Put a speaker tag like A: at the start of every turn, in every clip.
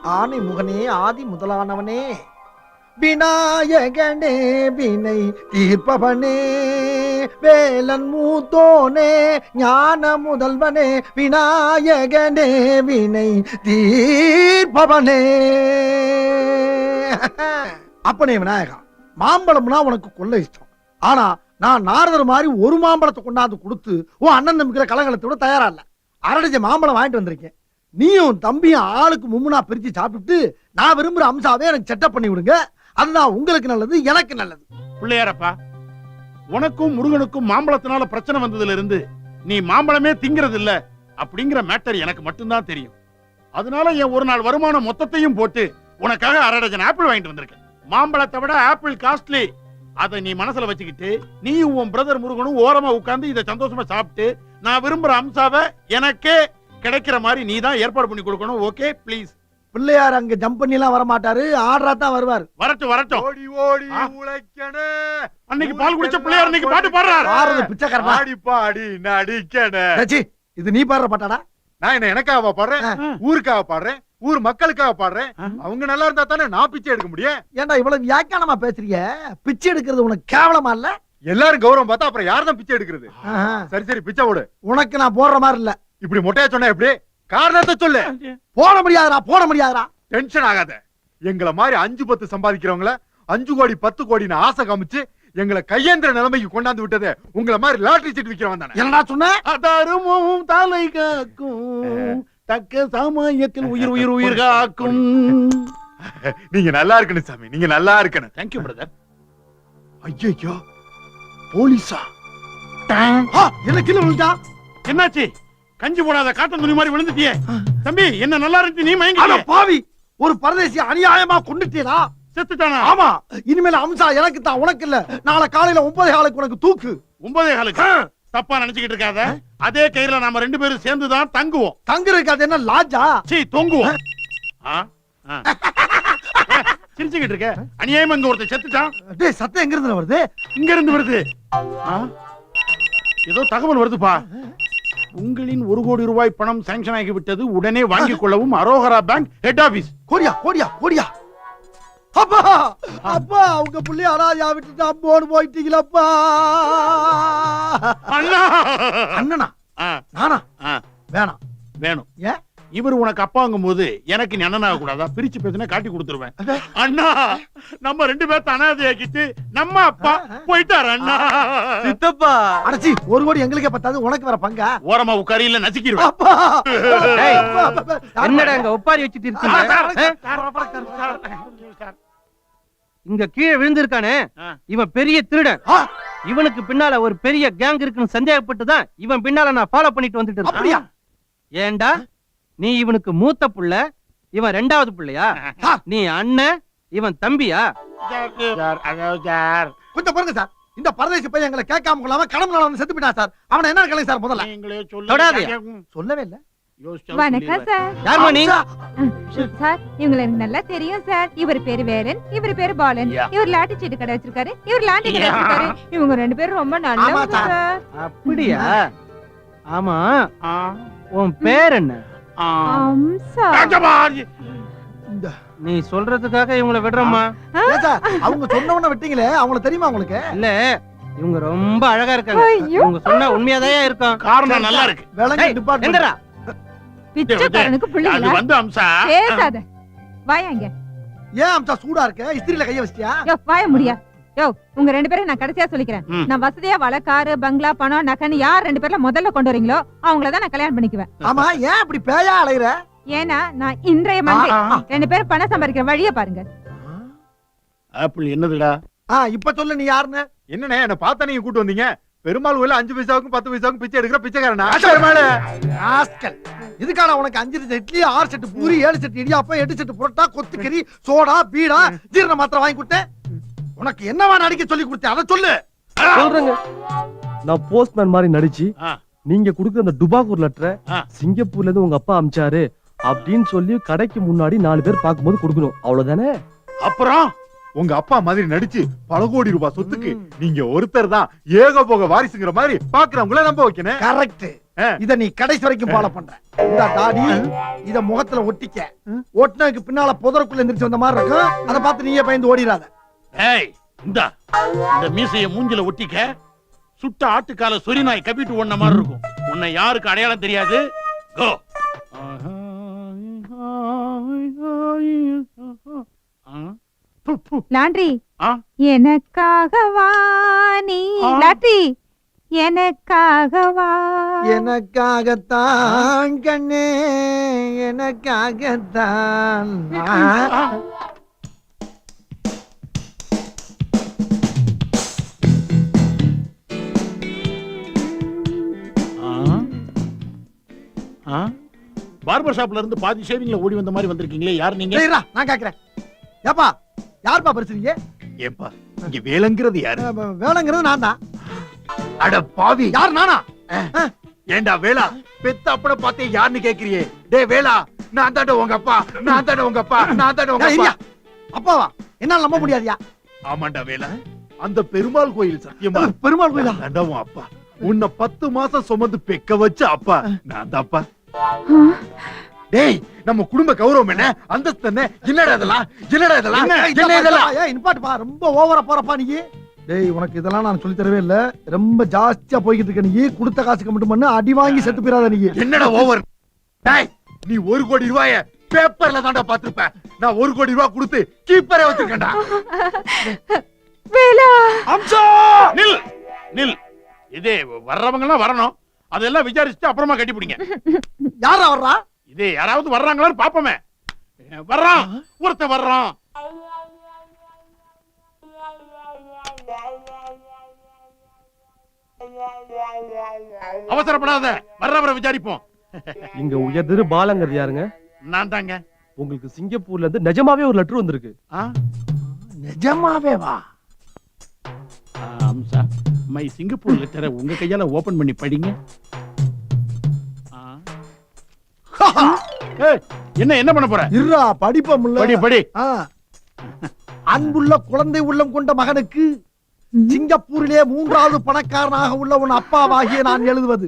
A: ஆனை முகனே ஆதி முதலானவனே விநாயகனே வினை தீர்ப்பவனே வேலன் மூத்தோனே ஞான முதல்வனே விநாயகனே வினை தீர்ப்பவனே. அப்பனே விநாயகா, மாம்பழம்னா உனக்கு கொள்ள இஷ்டம். ஆனா நான் நாரதர் மாதிரி ஒரு மாம்பழத்தை கொண்டாந்து கொடுத்து உன் அண்ணன் நம்பிக்கிற கலகலத்தோட தயாரா இல்ல. அரடிச்ச மாம்பழம் வாங்கிட்டு வந்திருக்கேன். நீயும் தம்பியும் ஆளுக்கு மும்முனா பிரிச்சு சாப்பிட்டு நான் விரும்புற அம்சாவே எனக்கு செட்டப் பண்ணி விடுங்க. அதுதான் உங்களுக்கு நல்லது, எனக்கு நல்லது.
B: பிள்ளையாரப்பா, உனக்கும் முருகனுக்கும் மாம்பழத்தினால பிரச்சனை வந்ததுல இருந்து நீ மாம்பழமே திங்கிறது இல்ல அப்படிங்கிற மேட்டர் எனக்கு மட்டும்தான் தெரியும். அதனால என் ஒரு நாள் வருமானம் மொத்தத்தையும் போட்டு உனக்காக 1/2 டஜன் ஆப்பிள் வாங்கிட்டு வந்திருக்கேன். மாம்பழத்தை விட ஆப்பிள் காஸ்ட்லி. அதை நீ மனசுல வச்சுக்கிட்டு நீ உன் பிரதர் முருகனும் ஓரமா உட்கார்ந்து இதை சந்தோஷமா சாப்பிட்டு நான் விரும்புற அம்சாவை எனக்கே கிடைக்கிற மாதிரி நீ தான் ஏற்பாடு பண்ணி கொடுக்கணும். Okay please.
A: பிள்ளையார் அங்க ஜம்ப் பண்ணி எல்லாம் வர மாட்டாரு, ஆர்டரா தான் வருவார்.
B: வரட்டும் வரட்டும்.
C: ஓடி ஓடி உழைக்கணே.
B: அன்னைக்கு பால் குடிச்ச பிள்ளையார் இன்னைக்கு பாட்டு பாடுறாரு.
A: ஆறது பிச்சைக்காரனா?
C: ஆடி பாடி நடிக்கணே.
A: டச்சி, இது நீ பாடுற பாட்டாடா?
C: நான் என்ன எனக்காக பாடுறேன், ஊருக்காக பாடுறேன், ஊர் மக்களுக்காக பாடுறேன். அவங்க நல்லா இருந்தா தானே நான் பிச்சை எடுக்க முடியும்.
A: ஏன்டா இவ்வளவு வியாக்கியானமா பேசுறீங்க? பிச்சை எடுக்கிறது உனக்கு கேவலமா இல்ல?
C: எல்லாரும் கௌரவம் பார்த்தா அப்புறம் யார் தான் பிச்சை எடுக்கிறது? சரி சரி பிச்சை போடு.
A: உனக்கு நான் போடுற மாதிரி இல்ல.
C: இப்படி மொட்டையா சொன்னா எப்படி? காரணத்தை சொல்லு.
A: போட முடியாதுடா, போட முடியாதுடா.
C: டென்ஷன் ஆகாத. எங்களை மாதிரி 5-10 சம்பாதிக்கிறவங்கள 5 கோடி 10 கோடின்னு ஆசை காமிச்சு எங்களை கையேந்திர நிலைமைக்கு கொண்டாந்து விட்டது உங்களை மாதிரி லாட்டரி சீட் விக்கிறவன் தானே.
A: என்னடா சொன்ன?
B: அதருமும் தலை காக்கும் தக்க சமயத்தில் உயிர் உயிர் உயிர் காக்கும்.
C: நீங்க நல்லா இருக்கணும் சாமி, நீங்க நல்லா இருக்கணும்.
B: Thank you brother.
C: ஐயோ போலீஸா?
A: என்ன கீழே விழுந்தா?
B: என்னாச்சு? கஞ்சி போடாத காட்டன் துணி மாதிரி விழுந்துட்டியே தம்பி. என்ன நல்லா இருந்துச்சு, நீ மயங்கி
A: பாவி. ஒரு பரதேசி அநியாயமா கொண்டுட்டீரா?
B: செத்துட்டானா?
A: ஆமா. இனிமேல் அம்சா எனக்கு தான், உனக்கு இல்ல. நாளை காலையில 9:15 உனக்கு தூக்கு.
B: 9:15? தப்பா நினைச்சுக்கிட்டு இருக்காத. அதே கயிறுல நாம 2 பேரும் சேர்ந்து தான் தங்குவோம்.
A: தங்குறதுக்கு அது என்ன லாஜா?
B: சீ, தொங்குவோம். சிரிச்சுக்கிட்டு இருக்க. அநியாயமா இங்க ஒருத்தர் செத்துட்டான்.
A: டேய், சத்தம் எங்க இருந்து வருது?
B: இங்க இருந்து வருது. ஏதோ தகவல் வருதுப்பா. உங்களின் 1 கோடி ரூபாய் பணம் சாங்ஷன் ஆகிவிட்டது, உடனே வாங்கிக் கொள்ளவும். அரோகரா பேங்க் ஹெட் ஆபீஸ்.
A: கோடியா கோடியா கோடியா. அப்பா அப்பா, உங்க புள்ளி அராஜா விட்டுட்டு அம்போடு போயிட்டீங்களப்பா.
B: அண்ணா.
A: அண்ணனா? நானா? வேணாம்.
B: வேணும்.
A: ஏன்?
B: இவர் உனக்கு அப்பாங்கும் போது எனக்கு நீ அண்ணனாக கூடாதா? பிரிச்சு பேசினா காட்டி கொடுத்துருவேன். அண்ணா, நம்ம 2 பேர்த்த அனாதையாக்கிட்டு நம்ம அப்பா போயிட்டாரு. அண்ணா.
D: சித்தப்பா.
A: அடச்சி, 1 கோடி எங்களுக்கே பத்தாது, உனக்கு வர பங்கா?
B: ஓரமா உட்காரியில நசுக்கிடுவேன்.
D: என்னடா இங்க ஒப்பாரி வச்சுட்டு இருக்கீங்க? இங்க கீழே விழுந்திருக்கானே இவன் பெரிய திருடன். இவனுக்கு பின்னால ஒரு பெரிய கேங் இருக்குன்னு சந்தேகப்பட்டுதான் இவன் பின்னால நான் ஃபாலோ பண்ணிட்டு வந்துட்டு இருக்கேன். ஏண்டா, நீ இவனுக்கு மூத்த புள்ள, இவன் 2வது புள்ளையா? நீ அண்ணன், இவன் தம்பியா?
A: கொஞ்சம் பாருங்க சார். இந்த பரதேசி பையன் எங்களை கேட்காம கொள்ளாம கடமை வந்து செத்து போயிட்டான் சார். அவனை என்ன கேளுங்க சார் முதல்ல. சொல்லவே இல்ல.
E: வணக்கம் சார்.
D: யார் மணி?
E: சார், இவங்களை எனக்கு நல்லா தெரியும் சார். இவர் பேரு வேலன், இவர் பேரு பாலன். இவர் லாட்டி சீட்டு கடை வச்சிருக்காரு, இவர் லாண்டி கடை வச்சிருக்காரு. இவங்க 2 பேரும் ரொம்ப நல்லவங்க சார்.
D: அப்படியா? ஆமா, உன் பேர் என்ன?
E: அம்சா.
D: நீ சொல்றதுக்காக இவங்களை விடுறோமா?
A: அவங்க சொன்னவன விட்டீங்களே, அவங்கள தெரியுமா உங்களுக்கு?
D: இல்ல, இவங்க ரொம்ப அழகா இருக்காங்க. இவங்க சொன்னா உண்மையாதான் இருக்கும்.
B: காரணம் நல்லா இருக்கு.
A: விலங்கு டிபார்ட்மெண்ட்.
E: பிச்சைக்காரனுக்கு பிள்ளைங்களா?
B: வந்து அம்சா
E: பேசாத. வாயாங்க.
A: ஏன் அம்சா சூடா இருக்க? இஸ்திரியில கைய வச்சிட்டியா?
E: யோ, வாய முடியா. யோ, உங்க 2 பேரும் நான் கடைசியா சொல்லிக்கிறேன். நான் வசதியா காரு, பங்களா, பணம், நகன்னு யார் 2 பேர்ல முதல்ல கொண்டு வரீங்களோ அவங்கள தான் நான் கல்யாணம் பண்ணிக்குவேன்.
A: ஆமா, ஏன் அப்படி பேயா அலையற?
E: ஏன்னா நான் இன்றைய மண்டே 2 பேரும் பணம் சம்பாதிக்கிற வழியை பாருங்க.
B: ஆப்பிள் என்னதுடா?
A: இப்ப சொல்லு, நீ யாருன்னு?
C: என்னண்ணே என்ன பார்த்தா நீங்க கூட்டு வந்தீங்க? பெருமாள் கோயில 5 பைசாவுக்கும் 10 பைசாவுக்கும் பிச்சை எடுக்கிற பிச்சைக்காரனா?
A: இதுக்கான உனக்கு 5 set idli, 6 set puri, 7 set idiyappam, 8 set parotta, கொத்துக்கறி, சோடா, பீடா, ஜீரண மாத்திரை வாங்கி கொடுத்தேன். உனக்கு என்னவா நடிக்க சொல்லி கொடுத்தேன், அதை சொல்லு.
F: சொல்றேங்க. நான் போஸ்ட்மேன் மாதிரி நடிச்சு நீங்க குடுக்குற அந்த டுபாகூர் லெட்டரை சிங்கப்பூர்ல இருந்து உங்க அப்பா அமிச்சாரு அப்படின்னு சொல்லி கடைக்கு முன்னாடி 4 பேர் பார்க்கும்போது கொடுக்கணும். அவ்வளவுதானே?
B: அப்புறம்
C: உங்க அப்பா மாதிரி நடிச்சு பல கோடி ரூபாய் சொத்துக்கு நீங்க ஒருத்தர் தான் ஏக போக வாரிசுங்கிற மாதிரி பாக்குறவங்கள நம்ப வைக்கணும்.
A: கரெக்ட். இத நீ கடைசி வரைக்கும் ஃபாலோ பண்ற. இந்த தாடி இத முகத்துல ஒட்டிக்க. ஒட்டினதுக்கு பின்னால புதருக்குள்ள எந்திரிச்சு வந்த மாதிரி இருக்கும். அதை பார்த்து நீயே பயந்து ஓடிடாத.
B: ஏய் இந்த மீசைய மூஞ்சில ஒட்டிக்க. சுட்ட ஆட்டுக்கால சொறி நாய் கப்பிட்டு ஓடுன மாதிரி இருக்கும். உன்னை யாருக்கு அடையாளம் தெரியாது. கோ.
E: லாண்ட்ரி
B: ஆ?
E: எனக்காகவா நீ லாண்ட்ரி எனக்காகவா
A: எனக்காகத்தான் கண்ணே எனக்காகத்தான்.
B: பார்பர் ஷாப்ல இருந்து பாதி ஷேவிங்ல ஓடி வந்த மாதிரி வந்திருக்கீங்களே, யார் நீங்க?
A: சரிடா, நான் கேக்குறேன். ஏப்பா யார்ப்பா பேசுறீங்க?
C: ஏப்பா இங்க வேலைங்கிறது யாரு?
A: வேலைங்கிறது நான் தான்.
C: அட பாவி,
A: யார் நானா?
C: ஏண்டா வேளா பெத்த அப்பட பார்த்தே யாருன்னு கேக்குறியே? டேய் வேளா, நான் தாண்ட உங்க அப்பா, நான் தாண்ட உங்க அப்பா, நான் தாண்ட உங்க அப்பா.
A: அப்பாவா? என்னால நம்ப முடியாதியா?
C: ஆமாண்டா வேளா, அந்த பெருமாள் கோயில் சத்தியமா
A: பெருமாள் கோயிலா?
C: தாண்டா உன் அப்பா. உன்னை 10 மாசம் சுமந்து பெக்க வச்ச அப்பா நான் தான்ப்பா. டேய் நம்ம குடும்ப கௌரவம் என்ன, அந்தஸ்து என்ன? என்னடா இதெல்லாம்? என்னடா இதெல்லாம்? என்ன இதெல்லாம்?
A: ஏய் நிப்பாட்டுப்பா, ரொம்ப ஓவரா போறப்பா நீ. டேய் உனக்கு இதெல்லாம் நான் சொல்லி தரவே இல்ல. ரொம்ப ஜாஸ்தியா போய்கிட்டு இருக்க நீ. கொடுத்த காசுக்கு மட்டும் பண்ணு, அடி வாங்கி செத்து போயிடாத நீ.
C: என்னடா ஓவர்? டேய் நீ 1 கோடி ரூபாய பேப்பர்ல தான்டா பாத்துருப்ப. நான் 1 கோடி ரூபாய் கொடுத்து கீப்பரே வச்சிருக்கேன்டா.
E: வேலா
A: அம்சா
B: நில் நில். இதே வர்றவங்க எல்லாம் வரணும். அதெல்லாம் விசாரிச்சுட்டு அப்புறமா கட்டி பிடிங்க.
A: யாரா வர்றா?
B: இதே யாராவது வர்றாங்களான்னு பாப்போமே. வர்றான், ஒருத்தன் வர்றான். அவசரப்படாத, வர்றவரை விசாரிப்போம்.
F: இங்க உயர்திரு பாலங்கிறது யாருங்க?
B: நான் தாங்க.
F: உங்களுக்கு சிங்கப்பூர்ல இருந்து நிஜமாவே ஒரு லெட்டர் வந்திருக்கு.
A: நிஜமாவே வா?
B: அம்சா, மை சிங்கப்பூர் லெட்டரை உங்க கையால ஓபன் பண்ணி படிங்க. ஏய், என்ன பண்ண போற?
A: இருடா படிப்போம்ல.
B: படி படி.
A: அன்புள்ள குழந்தை உள்ளம் கொண்ட மகனுக்கு சிங்கப்பூரிலே 3வது பணக்காரனாக உள்ள உன் அப்பாவாகிய நான் எழுதுவது.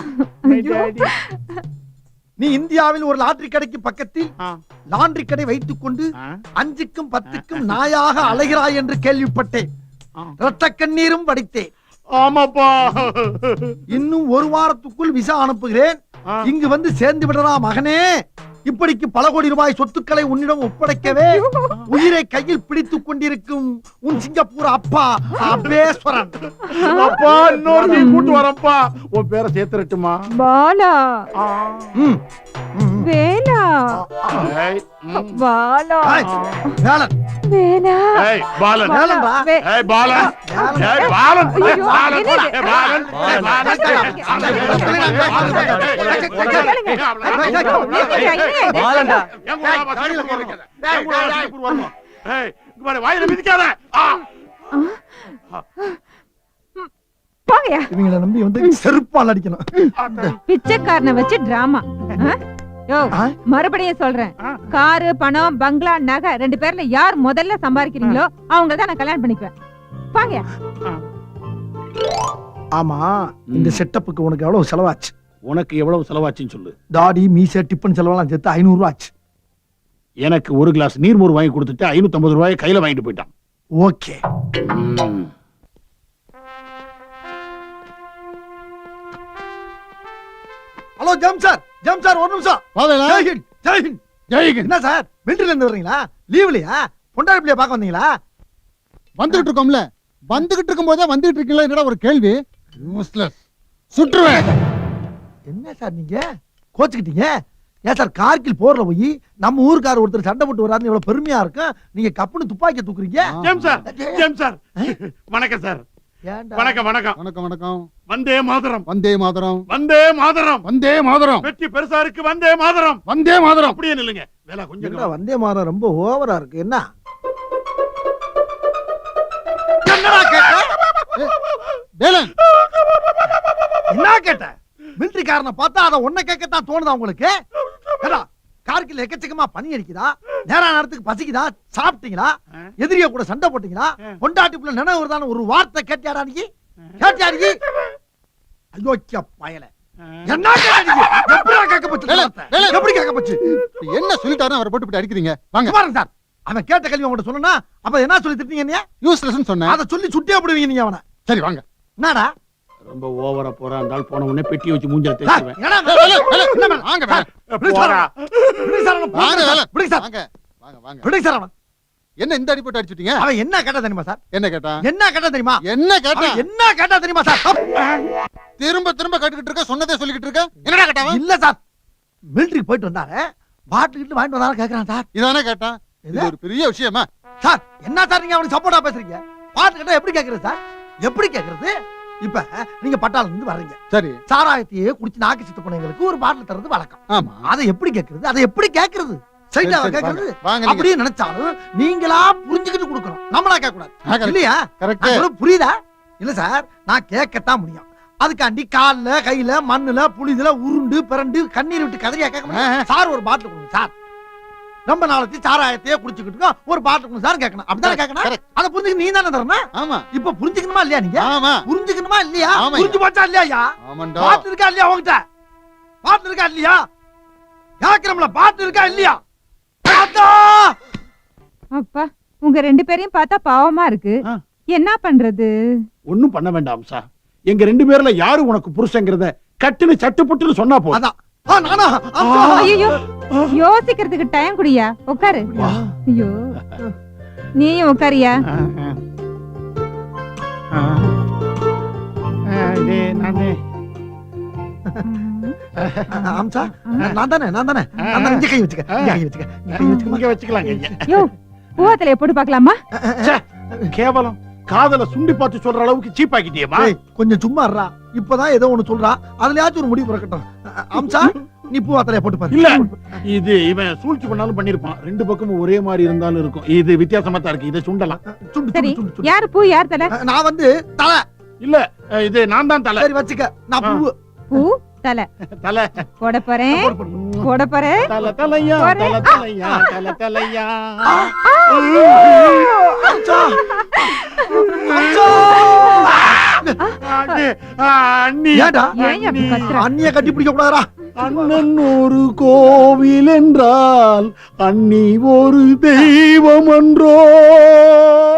A: நீ இந்தியாவில் ஒரு லாட்டரி கடைக்கு பக்கத்தில் லாண்டரி கடை வைத்துக் கொண்டு 5க்கும் 10க்கும் நாயாக அலைகிறாய் என்று கேள்விப்பட்டேன். ரத்த கண்ணீரும் வடித்தேன்.
B: ஆமாப்பா.
A: இன்னும் 1 வாரத்துக்குள் விசா அனுப்புகிறேன். இங்கு வந்து சேர்ந்து விடறா மகனே. இப்படிக்கு பல கோடி ரூபாய் சொத்துக்களை உன்னிடம் ஒப்படைக்கவே உயிரை கையில் பிடித்துக் கொண்டிருக்கும் உன் சிங்கப்பூர் அப்பா அபேஸ்வரன்.
B: அப்பா இன்னொரு கூட்டு வரப்பா. உன் பேரை சேர்த்துட்டுமா?
E: பாலா வேலா
B: ஏய்,
E: பாலா
A: வேலன்
E: வேலா
B: ஏய் பாலன்.
A: வேலன்டா.
B: ஏய் பாலன். ஏய் பாலன். ஏய் பாலன். ஏய் பாலன். ஏய்
F: பாலன்டா.
B: வாயில மிதிக்காத.
E: போங்கயா.
A: இவங்களை நம்பி வந்து செருப்பால் அடிக்கணும்.
E: பிச்சைக்காரனை வச்சு டிராமா. யோ மறுபடியும் சொல்றேன், காரு பணம் பங்களா நகை 2 பேர்ல யார் முதல்ல சம்பாதிக்கிறீங்களோ அவங்க தான் நான் கல்யாணம் பண்ணிக்குவேன். பாங்கயா.
A: ஆமா, இந்த செட்டப்புக்கு உனக்கு எவ்வளவு செலவாச்சு?
B: உனக்கு எவ்வளவு செலவாச்சுன்னு சொல்லு.
A: தாடி மீசை டிப்பன் செலவெல்லாம் சேர்த்து 500 ரூபாய் ஆச்சு.
B: எனக்கு 1 கிளாஸ் நீர்மோர் வாங்கி கொடுத்துட்டு 550 ரூபாய் கையில வாங்கிட்டு போயிட்டான்.
A: ஓகே. ஹலோ ஜம் சார், ஜம் சார் ஒரு நிமிஷம். ஜெய்ஹிந்த், ஜெய்ஹிந்த்.
C: ஜெய்ஹிந்த்.
A: என்ன சார் மிலிட்டரில இருந்து வர்றீங்களா? லீவ்லயா? பொண்டாடி பிள்ளைய பார்க்க வந்தீங்களா?
G: வந்துகிட்டு இருக்கோம்ல, வந்துகிட்டு இருக்கும் போதே வந்துகிட்டு இருக்கீங்களா? என்னடா ஒரு கேள்வி? யூஸ்லெஸ். சுற்றுவேன்.
A: என்ன சார் நீங்க கோச்சுக்கிட்டீங்க? ஏன் சார் கார்கில் போர்ல போய் நம்ம ஊருக்கார ஒருத்தர் சண்டை போட்டு வராருன்னு எவ்வளவு பெருமையா இருக்கும். நீங்க கப்புன்னு துப்பாக்கிய தூக்குறீங்க.
B: James sir, James sir. வணக்கம் சார். வணக்கம் வணக்கம்
G: வணக்கம் வணக்கம்.
B: வந்தே மாதரம்.
G: வந்தே மாதரம்.
B: வந்தே மாதரம்.
G: வந்தே மாதரம்.
B: வெற்றி பெருசா இருக்கு. வந்தே மாதரம்.
G: வந்தே மாதரம்.
B: அப்படியே நில்லுங்க. வேலை கொஞ்சம்
A: என்னடா வந்தே மாதரம் ரொம்ப ஓவரா இருக்கு. என்ன என்னடா கேட்ட?
G: வேலன்.
A: என்ன கேட்ட? மிலிட்டரிக்காரனை பார்த்தா அதை ஒன்ன கேட்கத்தான் தோணுதா உங்களுக்கு? ஏடா கார்கில் எக்கச்சக்கமா பனி அடிக்குதா? நேரா நேரத்துக்கு பசிக்குதா? சாப்பிட்டீங்களா? எதிரிய கூட சண்டை போட்டீங்களா? பொண்டாட்டிக்குள்ள நினைவு வருதான ஒரு வார்த்தை கேட்டியாடா நீ? கேட்டியா நீ? அயோக்கிய பயல. என்ன கேட்ட நீங்க? எப்படிடா கேட்க போச்சு?
G: வேலை, வேலை.
A: எப்படி கேட்க போச்சு?
G: என்ன சொல்லிட்டாருன்னு அவரை போட்டு இப்படி அடிக்கிறீங்க வாங்க
A: பாருங்க சார், அவன் கேட்ட கேள்வி உங்கள்ட்ட சொன்னா அப்ப என்ன சொல்லி திட்டீங்க நீங்க?
G: யூஸ்லெஸ் சொன்னேன்
A: அதை சொல்லி சுட்டியா போடுவீங்க நீங்க அவனை.
G: சரி வாங்க
A: என்னடா
B: ரொம்ப ஓவரா போறா இருந்தால் போன உடனே பெட்டி வச்சு மூஞ்சல
A: சார்,
B: தேய்ச்சுவேன்.
A: என்னடா
G: வேலை, வேலை, என்ன வேலை? வாங்க வேலை.
A: விடுங்க சார்
B: போடா.
A: விடுங்க சார் அவனை,
G: வாங்க வேலை.
A: விடுங்க சார்
G: வாங்க வாங்க வாங்க
A: விடுங்க சார் அவனை.
G: என்ன இந்த அடி போட்டு அடிச்சிட்டீங்க
A: அவன் என்ன கேட்டா தெரியுமா சார்?
G: என்ன கேட்டா
A: என்ன கேட்டா தெரியுமா?
G: என்ன கேட்டா
A: அவன் என்ன கேட்டா தெரியுமா சார்?
G: திரும்ப திரும்ப கேட்டுக்கிட்டு இருக்க சொன்னதே சொல்லிக்கிட்டு இருக்க என்னடா கேட்டாவா
A: இல்ல சார், மிலிட்டரிக்கு போயிட்டு வந்தாரு, பாட்டில் கிட்ட வாங்கிட்டு வந்தாலும் கேக்குறான் சார்.
G: இதானே கேட்டான் இது ஒரு பெரிய விஷயமா
A: சார் என்ன சார் நீங்க அவனுக்கு சப்போர்ட்டா பேசுறீங்க? பாட்டு கேட்டா எப்படி கேக்குறது சார்? எப்படி கேக்குறது? இப்ப நீங்க பட்டாளத்துல இருந்து வர்றீங்க,
G: சரி
A: சாராயத்தையே குடிச்சு நாக்கு சித்து போனவங்களுக்கு ஒரு பாட்டில் தர்றது வழக்கம்.
G: ஆமா
A: அதை எப்படி கேக்குறது? அதை எப்படி கேக்குறது?
G: சரி,
A: சரிடா
G: சரி,
A: கேக்குறது.
G: வாங்க, வாங்க நீங்க.
A: அப்படியே நினைச்சாலும் நீங்களா புரிஞ்சுக்கிட்டு கொடுக்கணும், நம்மளா கேட்க கூடாது இல்லையா?
G: கரெக்ட்
A: நான் சொல்றது புரியுதா? இல்ல சார், நான் கேட்கத்தான் முடியும். அதுக்காண்டி கால்ல கையில மண்ணுல புளிதுல உருண்டு பிறண்டு கண்ணீர் விட்டு கதறியா கேட்க முடியும்? சார் ஒரு பாட்டில் கொடுங்க சார், ரொம்ப நாளைக்கு சாராயத்தையே குடிச்சுக்கிட்டு இருக்கோம், ஒரு பாட்டில் கொடுங்க சார் கேட்கணும். அப்படிதானே கேட்கணும்?
G: Correct.
A: அதை புரிஞ்சுக்க நீ தானே தரணும்.
G: ஆமா
A: இப்ப புரிஞ்சுக்கணுமா இல்லையா? நீங்க
G: ஆமா
A: புரிஞ்சுக்கணுமா இல்லையா?
G: ஆமா.
A: புரிஞ்சு போச்சா இல்லையா?
G: ஆமாண்டா
A: பாட்டு இருக்கா இல்லையா உங்ககிட்ட? பாட்டு இருக்கா இல்லையா? கேக்குறோம்ல, பாட்டு இருக்கா இல்லையா? பாத்தா!
E: அப்பா உங்க ரெண்டு பேரையும் பார்த்தா பாவமா இருக்கு.
B: ஆ.
E: என்ன பண்றது?
B: ஒண்ணும் பண்ண வேண்டாம் சார். எங்க 2 பேர்ல யாரு உனக்கு புருஷங்கிறத கட்டுன்னு சட்டுப்புட்டுன்னு சொன்னா போதும்.
A: அதான். நானா?
E: ஐயோ யோசிக்கிறதுக்கு டைம் குடியா, உட்காரு. ஐயோ நீயும் உட்காரியா.
A: அம்சா, நான் தானே இங்க கை வச்சுக்க, இங்க கை வச்சுக்க, இங்க கை வச்சுக்க.
B: இங்க வச்சுக்கலாங்க.
E: யோ பூவத்திலே போட்டு பார்க்கலாமா?
B: கேவலம், காதல சுண்டி பார்த்து சொல்ற அளவுக்கு சீப் ஆக்கிட்டியேமா.
A: ஏய், கொஞ்சம் சும்மா இருடா. இப்பதான் ஏதோ ஒண்ணு சொல்றா, அதுலயாச்சும் ஒரு முடிவு பிறக்கட்டும். அம்சா, நீ பூவாத்தலைய போட்டு பாரு.
B: இல்ல, இது இவன் சூழ்ச்சி பண்ணாலும் பண்ணிருப்பான். 2 பக்கமும் ஒரே மாதிரி இருந்தாலும் இருக்கும். இது வித்தியாசமா தான் இருக்கு. இதை சுண்டலாம்.
A: சுண்டு,
E: சரி
A: சுண்டு, சுண்டு, சுண்டு.
E: யாரு பூ யார் தலை?
A: நான் வந்து தலை.
B: இல்ல, இது நான் தான் தலை.
A: சரி வச்சுக்க, நான் பூ.
E: பூ தலை
B: தலை
E: போட போறேன்,
A: போடு, போடு.
E: போட போறேன்.
B: தலை தலையா,
E: ஒரு-
B: தலை தலையா, தலை தலையா.
A: அம்சா, அம்சா.
B: அண்ணி,
A: ஏன்டா?
E: ஏன் அப்படி கத்துற?
A: அண்ணிய கட்டி பிடிக்க கூடாதா?
B: அண்ணன் ஒரு கோவில் என்றால் அண்ணி ஒரு தெய்வம் என்றோ.